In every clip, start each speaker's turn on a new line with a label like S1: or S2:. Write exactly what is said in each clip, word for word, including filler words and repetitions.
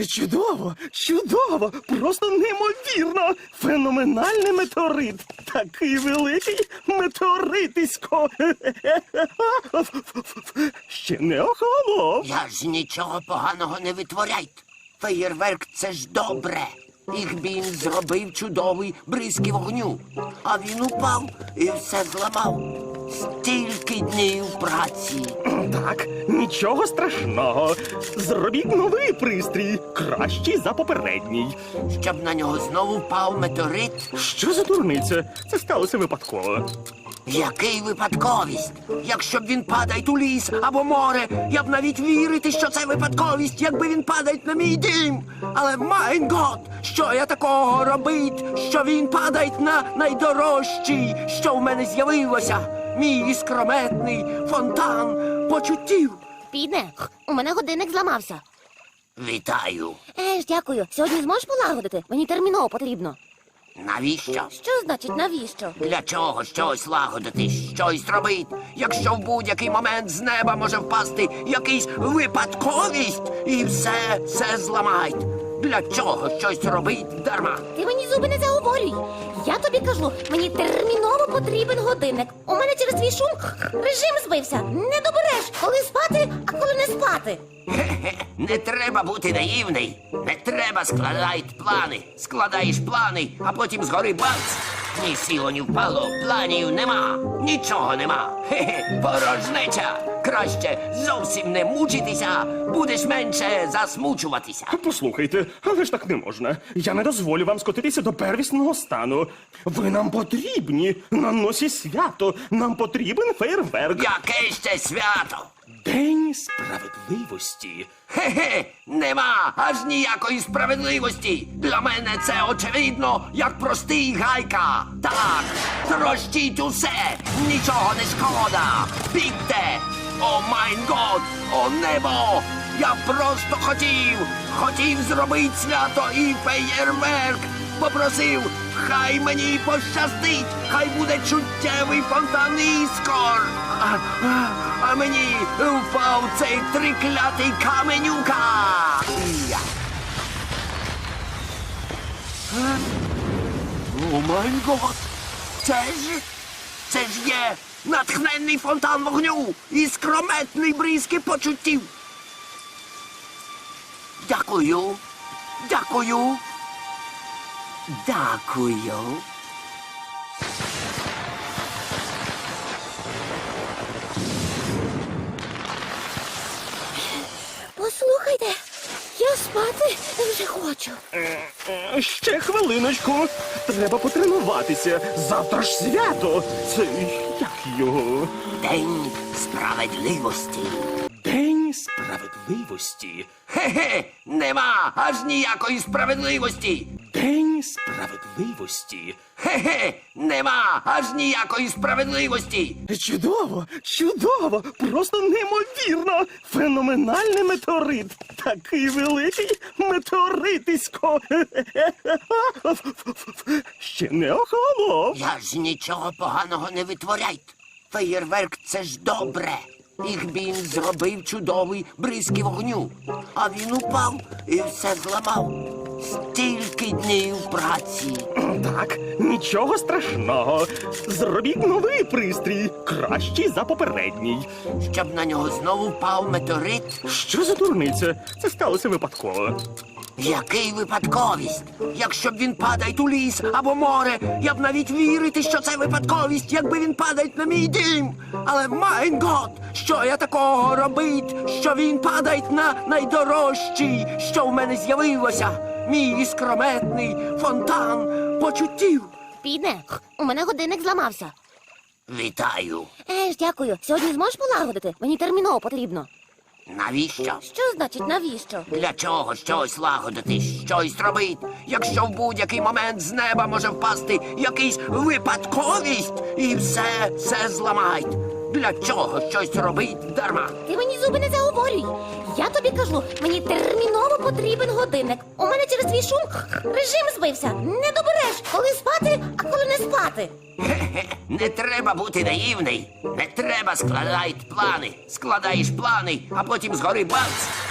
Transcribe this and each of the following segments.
S1: Чудово, чудово, просто неймовірно. Феноменальний метеорит. Такий великий метеоритисько. Ще не охолонув.
S2: Я ж нічого поганого не витворяйте. Феєрверк – це ж добре. Ігбін зробив чудовий бризки вогню. А він упав і все зламав. Стільки днів праці.
S1: Так, нічого страшного. Зробіть новий пристрій, кращий за попередній.
S2: Щоб на нього знову впав метеорит.
S1: Що за дурниця? Це сталося випадково.
S2: Який випадковість? Якщо б він падає у ліс або море, я б навіть вірити, що це випадковість, якби він падає на мій дім. Але, майн гот, що я такого робить, що він падає на найдорожчий, що в мене з'явилося? Мій іскрометний фонтан почуттів.
S3: Піде, у мене годинник зламався.
S2: Вітаю.
S3: Еж, дякую. Сьогодні зможеш полагодити? Мені терміново потрібно.
S2: Навіщо?
S3: Що значить навіщо?
S2: Для чого щось лагодити, щось робити, якщо в будь-який момент з неба може впасти якийсь випадковість і все, все зламають? Для чого щось робить дарма?
S3: Ти мені зуби не заговорюй. Я тобі кажу, мені терміново потрібен годинник. У мене через твій шум режим збився. Не добереш, коли спати, а коли не спати.
S2: Хе-хе, не треба бути наївний. Не треба складати плани. Складаєш плани, а потім згори бац. Ні сіло, ні впало, планів нема. Нічого нема. Хе-хе, порожнеча. Краще зовсім не мучитися, будеш менше засмучуватися.
S1: Послухайте, але ж так не можна. Я не дозволю вам скотитися до первісного стану. Ви нам потрібні. На носі свято. Нам потрібен фейерверк.
S2: Яке ще свято?
S1: День справедливості.
S2: Хе-хе, нема аж ніякої справедливості. Для мене це очевидно, як простий гайка. Так, трощіть усе, нічого не шкода. Бігте! О майн год, о небо! Я просто хотів, хотів зробити свято і феєрверк. Попросив, хай мені пощастить, хай буде чуттєвий фонтан іскор. А, а, а мені впав цей триклятий каменюка. Я. Е? О май гот! Це ж, це ж є натхненний фонтан вогню і скрометний бризки почуттів. Дякую, дякую. Дякую.
S3: Послухайте, я спати вже хочу.
S1: Е, Ще хвилиночку. Треба потренуватися. Завтра ж свято. Це як його?
S2: День справедливості.
S1: День справедливості.
S2: Хе-хе, нема аж ніякої справедливості.
S1: День справедливості.
S2: Хе-хе, нема аж ніякої справедливості.
S1: Чудово, чудово, просто неймовірно. Феноменальний метеорит. Такий великий метеоритисько. Ще не охолонув.
S2: Я ж нічого поганого не витворяйте. Феєрверк – це ж добре. Ігбін зробив чудовий бризки вогню. А він упав і все зламав. Стільки днів праці.
S1: Так, нічого страшного. Зробіть новий пристрій, кращий за попередній.
S2: Щоб на нього знову впав метеорит.
S1: Що за дурниця? Це сталося випадково.
S2: Який випадковість? Якщо б він падає у ліс або море, я б навіть вірити, що це випадковість, якби він падає на мій дім. Але, майн гот, що я такого робить, що він падає на найдорожчий, що в мене з'явилося? Мій іскрометний фонтан почуттів.
S3: Піде, у мене годинник зламався.
S2: Вітаю.
S3: Еж, дякую. Сьогодні зможеш полагодити? Мені терміново потрібно.
S2: Навіщо?
S3: Що значить навіщо?
S2: Для чого щось лагодити, щось робити, якщо в будь-який момент з неба може впасти якийсь випадковість і все, все зламають? Для чого щось робить дарма?
S3: Ти мені зуби не заговорюй. Я тобі кажу, мені терміново потрібен годинник. У мене через твій шум режим збився. Не добереш, коли спати, а коли не спати.
S2: Хе-хе, не треба бути наївний. Не треба складати плани. Складаєш плани, а потім згори бац.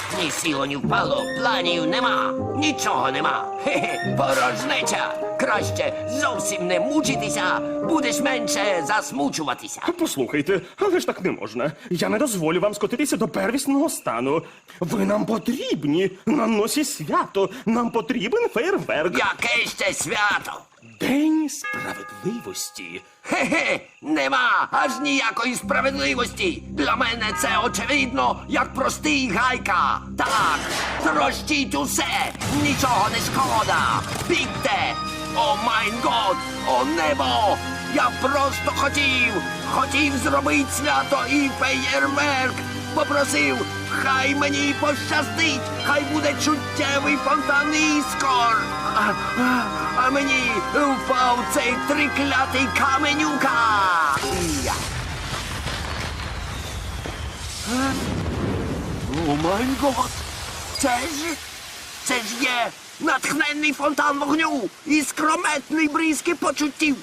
S2: Ні сіло, ні впало, планів нема, нічого нема. Хе-хе, порожнеча. Краще зовсім не мучитися, будеш менше засмучуватися.
S1: Послухайте, але ж так не можна. Я не дозволю вам скотитися до первісного стану. Ви нам потрібні на носі свято. Нам потрібен фейерверк.
S2: Яке ще свято?
S1: День справедливості.
S2: Хе-хе, нема аж ніякої справедливості. Для мене це очевидно, як простий гайка. Так, трощіть усе, нічого не шкода. Бігте! О майн год, о небо! Я просто хотів, хотів зробити свято і феєрверк. Попросив, хай мені пощастить, хай буде чуттєвий фонтан іскор. А, а, а мені впав цей триклятий каменюка. Я. Е? О май гот! Це ж, це ж є натхненний фонтан вогню і скрометний бризки почуттів.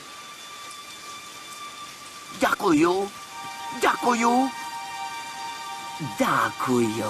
S2: Дякую, дякую, дякую.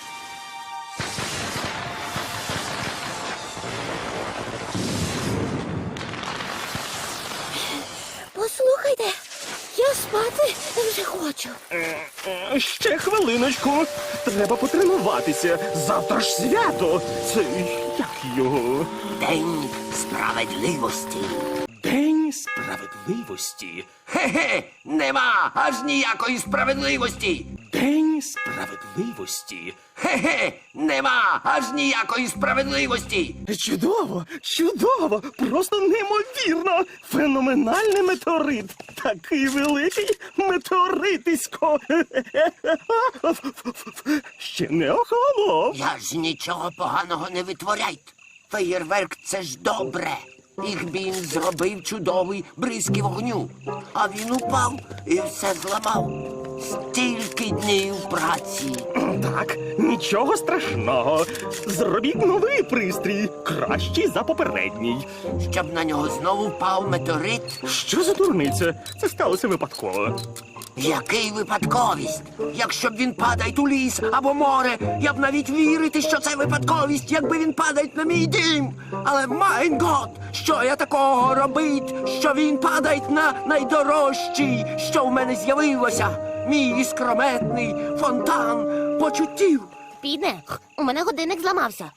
S3: Послухайте, я спати вже хочу.
S1: Е, е, Ще хвилиночку. Треба потренуватися. Завтра ж свято. Це як його?
S2: День справедливості.
S1: День справедливості.
S2: Хе-хе, нема аж ніякої справедливості.
S1: День справедливості.
S2: Хе-хе, нема аж ніякої справедливості.
S1: Чудово, чудово, просто неймовірно. Феноменальний метеорит. Такий великий метеоритисько. Ще не охолонув.
S2: Я ж нічого поганого не витворяйте. Феєрверк це ж добре. Їх він зробив чудовий бризки вогню. А він упав і все зламав. Стільки днів праці.
S1: Так, нічого страшного. Зробіть новий пристрій, кращий за попередній.
S2: Щоб на нього знову впав метеорит.
S1: Що за дурниця? Це сталося випадково.
S2: Який випадковість? Якщо б він падає у ліс або море, я б навіть вірити, що це випадковість, якби він падає на мій дім. Але майн гот, що я такого робить, що він падає на найдорожчий, що в мене з'явилося. Мій іскрометний фонтан почуттів.
S3: Піде, у мене годинник зламався.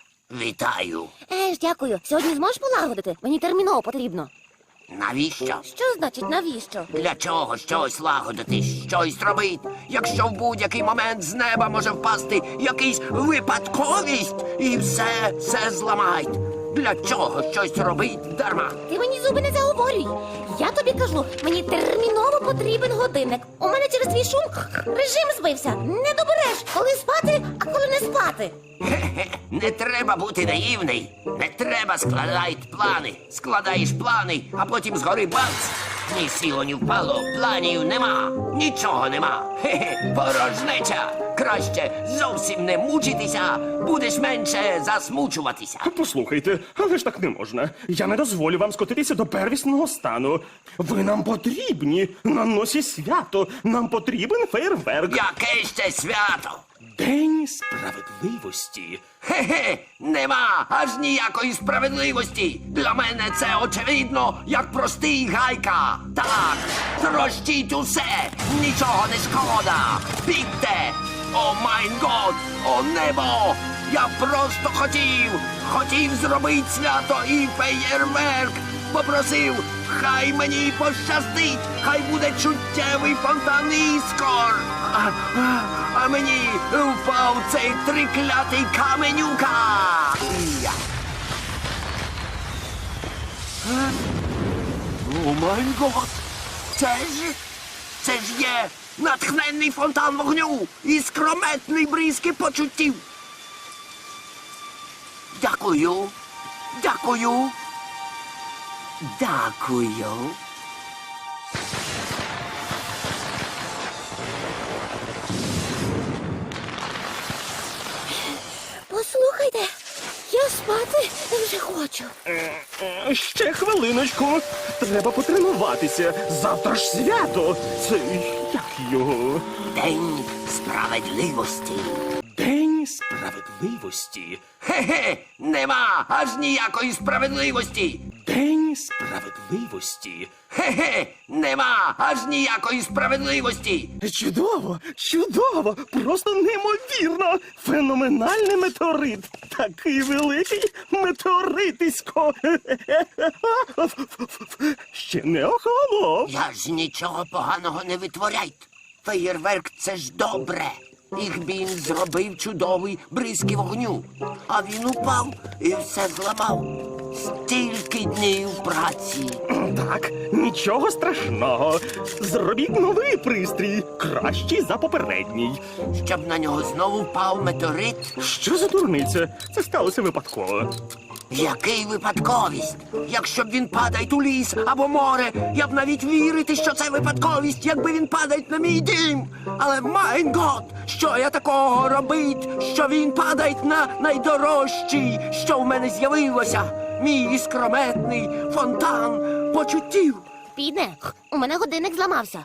S2: Вітаю.
S3: Еж, дякую. Сьогодні зможеш полагодити? Мені терміново потрібно.
S2: Навіщо?
S3: Що значить навіщо?
S2: Для чого щось лагодити, щось робити, якщо в будь-який момент з неба може впасти якийсь випадковість і все, все зламають. Для чого щось робить дарма?
S3: Ти мені зуби не заговорюй. Я тобі кажу, мені терміново потрібен годинник. У мене через твій шум режим збився. Не добереш, коли спати, а коли не спати.
S2: Хе-хе, не треба бути наївний. Не треба складати плани. Складаєш плани, а потім згори бац. Ні сіло, ні впало, планів нема, нічого нема. Хе-хе, порожнеча. Краще зовсім не мучитися, будеш менше засмучуватися.
S1: Послухайте, але ж так не можна. Я не дозволю вам скотитися до первісного стану. Ви нам потрібні на носі свято. Нам потрібен фейерверк.
S2: Яке ще свято?
S1: День справедливості.
S2: Хе-хе, нема аж ніякої справедливості. Для мене це очевидно, як простий гайка. Так, трощіть усе, нічого не шкода. Бігте! О майн год, о небо! Я просто хотів, хотів зробити свято і феєрверк. Попросив, хай мені пощастить, хай буде чуттєвий фонтан іскор. А, а, а мені впав цей триклятий каменюка. Я. Е? О май гот! Це ж, це ж є натхненний фонтан вогню і скрометний бризки почуттів. Дякую, дякую, дякую.
S3: Послухайте, я спати вже хочу.
S1: Е, е, Ще хвилиночку. Треба потренуватися. Завтра ж свято. Це як його?
S2: День справедливості.
S1: День День справедливості.
S2: Хе-хе, нема аж ніякої справедливості.
S1: День справедливості.
S2: Хе-хе, нема аж ніякої справедливості.
S1: Чудово, чудово, просто неймовірно. Феноменальний метеорит. Такий великий метеоритисько. Ще не охолонув.
S2: Я ж нічого поганого не витворяйте. Феєрверк — це ж добре. Їх він зробив чудовий бризки вогню. А він упав і все зламав. Стільки днів праці.
S1: Так, нічого страшного. Зробіть новий пристрій, кращий за попередній.
S2: Щоб на нього знову впав метеорит.
S1: Що за дурниця? Це сталося випадково.
S2: Який випадковість? Якщо б він падає у ліс або море, я б навіть вірити, що це випадковість, якби він падає на мій дім. Але, майн гот, що я такого робить, що він падає на найдорожчий, що в мене з'явилося? Мій іскрометний фонтан почуттів.
S3: Піде, у мене годинник зламався.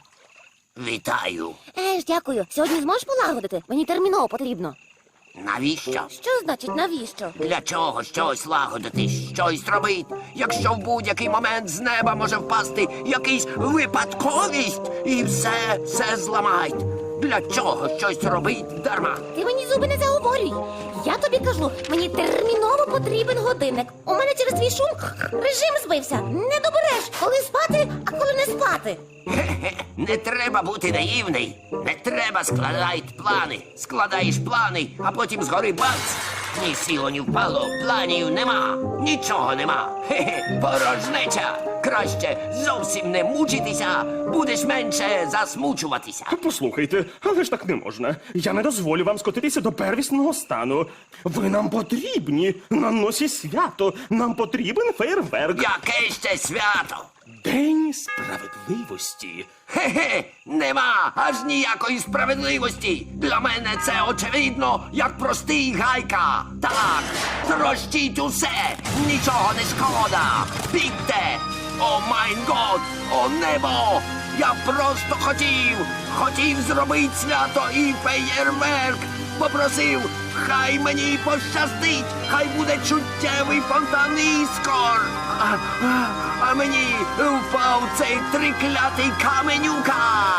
S2: Вітаю.
S3: Еж, дякую. Сьогодні зможеш полагодити? Мені терміново потрібно.
S2: Навіщо?
S3: Що значить навіщо?
S2: Для чого щось лагодити, щось робити, якщо в будь-який момент з неба може впасти якийсь випадковість і все, все зламають. Для чого щось робить дарма?
S3: Ти мені зуби не заговорюй. Я тобі кажу, мені терміново потрібен годинник. У мене через твій шум режим збився. Не добереш, коли спати, а коли не спати.
S2: Хе-хе, не треба бути наївний. Не треба складати плани. Складаєш плани, а потім згори бац. Ні сіло, ні впало, планів нема. Нічого нема. Хе-хе, порожнеча. Краще зовсім не мучитися, будеш менше засмучуватися.
S1: Послухайте, але ж так не можна. Я не дозволю вам скотитися до первісного стану. Ви нам потрібні. На носі свято. Нам потрібен фейерверк.
S2: Яке ще свято?
S1: День справедливості.
S2: Хе-хе, нема аж ніякої справедливості. Для мене це очевидно, як простий гайка. Так, трощіть усе, нічого не шкода. Бігте! О майн год, о небо! Я просто хотів, хотів зробити свято і феєрверк. Попросив, хай мені пощастить, хай буде чуттєвий фонтан іскор. А, а, а мені впав цей триклятий каменюка.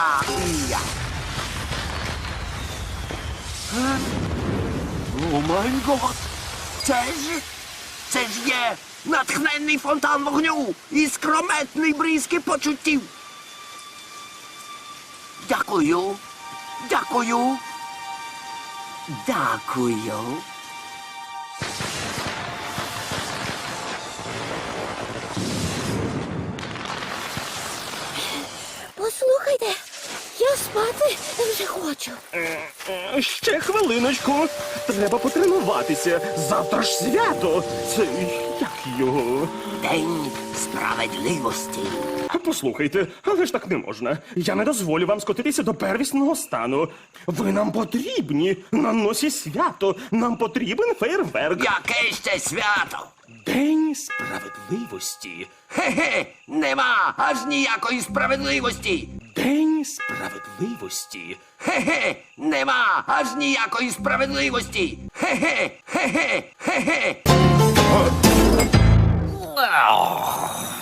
S2: Я. Е? О май гот! Це ж, це ж є натхненний фонтан вогню і скрометний бризки почуттів. Дякую, дякую, дякую.
S3: Послухайте, я спати вже хочу.
S1: Е, е, Ще хвилиночку. Треба потренуватися. Завтра ж свято. Це як його?
S2: День справедливості.
S1: Послухайте, але ж так не можна. Я не дозволю вам скотитися до первісного стану. Ви нам потрібні. На носі свято. Нам потрібен фейерверк.
S2: Яке ще свято?
S1: День справедливості.
S2: Хе-хе, нема аж ніякої справедливості.
S1: День справедливості.
S2: Хе-хе, нема аж ніякої справедливості. Хе-хе, хе-хе, хе-хе.